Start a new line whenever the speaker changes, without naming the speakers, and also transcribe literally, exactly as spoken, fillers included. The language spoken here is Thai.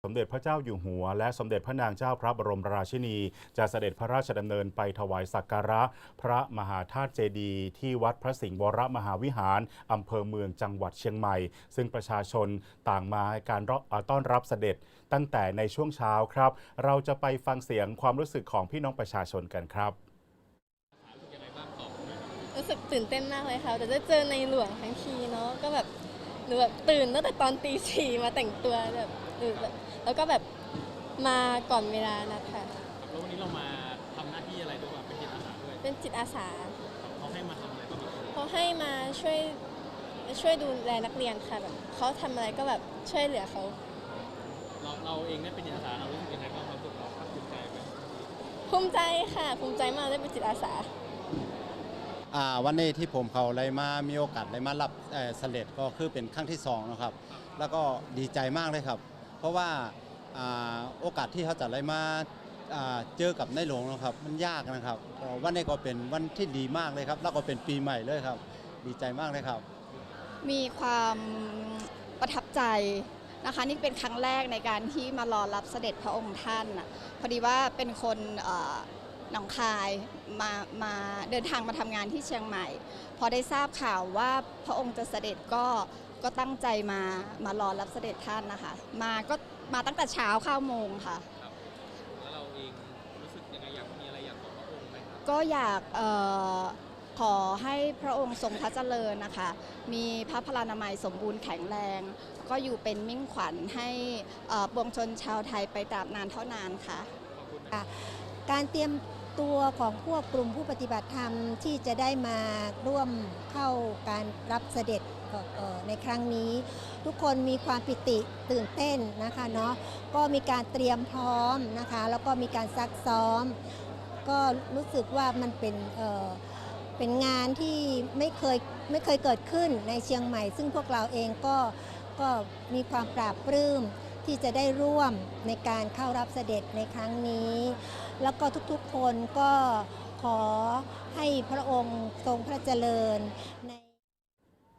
สมเด็จพระเจ้าอยู่หัวและสมเด็จพระนางเจ้าพระบรมราชินีจะเสด็จพระราชดำเนินไปถวายสักการะพระมหาธาตุเจดีย์ที่วัดพระสิงห์วรมหาวิหารอำเภอเมืองจังหวัดเชียงใหม่ซึ่งประชาชนต่างมาให้การต้อนรับเสด็จตั้งแต่ในช่วงเช้าครับเราจะไปฟังเสียงความรู้สึกของพี่น้องประชาชนกันครับ
รู้สึกตื่นเต้นมากเลยค่ะแต่จะเจอในหลวงทั้งทีเนาะก็แบบหนูแบบตื่นตั้งแต่ตอนตีสี่มาแต่งตัวแบบหรือแบบแล้วก็แบบมาก่อนเวลานะคะ
แล้ววันนี้เรามาทำหน้าที่อะไรด้วยเป็นจิตอาสาด้วย
เป็นจิตอาสา
เขาให้มาทำอะไรบ้าง
เขาให้มาช่วยช่วยดูแลนักเรียนค่ะแบบเขาทำอะไรก็แบบช่วยเหลือเขา
เราเราเองได้เป็นจิตอาสาเรารู้สึกยังไงบ้างความรู้สึกเราภาคภูมิใจไหม
ภูมิใจค่ะภูมิใจมากได้เป็นจิตอาสา
วันนี้ที่ผมเขาเลยมามีโอกาสเลยมารับเสด็จก็คือเป็นครั้งที่สองนะครับแล้วก็ดีใจมากเลยครับเพราะว่าโอกาสที่เขาจะเลยมาเจอกับในหลวงนะครับมันยากนะครับวันนี้ก็เป็นวันที่ดีมากเลยครับแล้วก็เป็นปีใหม่เลยครับดีใจมากเลยครับ
มีความประทับใจนะคะนี่เป็นครั้งแรกในการที่มารอรับเสด็จพระองค์ท่านพอดีว่าเป็นคนหนองคายมามาเดินทางมาทำงานที่เชียงใหม่พอได้ทราบข่าวว่าพระองค์จะเสด็จก็ก็ตั้งใจมามารอรับเสด็จท่านนะคะมาก็มาตั้งแต่เช้าเก้าโมงค่ะ
แล้วเราเองรู้สึกยังไงอยากมีอะไรอยากบอกพระองค์ไหมครับ
ก็อยากเอ่อขอให้พระองค์ทรงพระเจริญนะคะมีพระพลานามัยสมบูรณ์แข็งแรงก็อยู่เป็นมิ่งขวัญให้ปวงชนชาวไทยไปตราบนานเท่านานค่ะ
การเตรียมตัวของพวกกลุ่มผู้ปฏิบัติธรรมที่จะได้มาร่วมเข้าการรับเสด็จในครั้งนี้ทุกคนมีความปิติตื่นเต้นนะคะเนาะก็มีการเตรียมพร้อมนะคะแล้วก็มีการซักซ้อมก็รู้สึกว่ามันเป็นเอ่อเป็นงานที่ไม่เคยไม่เคยเกิดขึ้นในเชียงใหม่ซึ่งพวกเราเองก็ก็มีความปราบปลื้มที่จะได้ร่วมในการเข้ารับเสด็จในครั้งนี้แล้วก็ทุกๆคนก็ขอให้พระองค์ทรงพระเจริญใน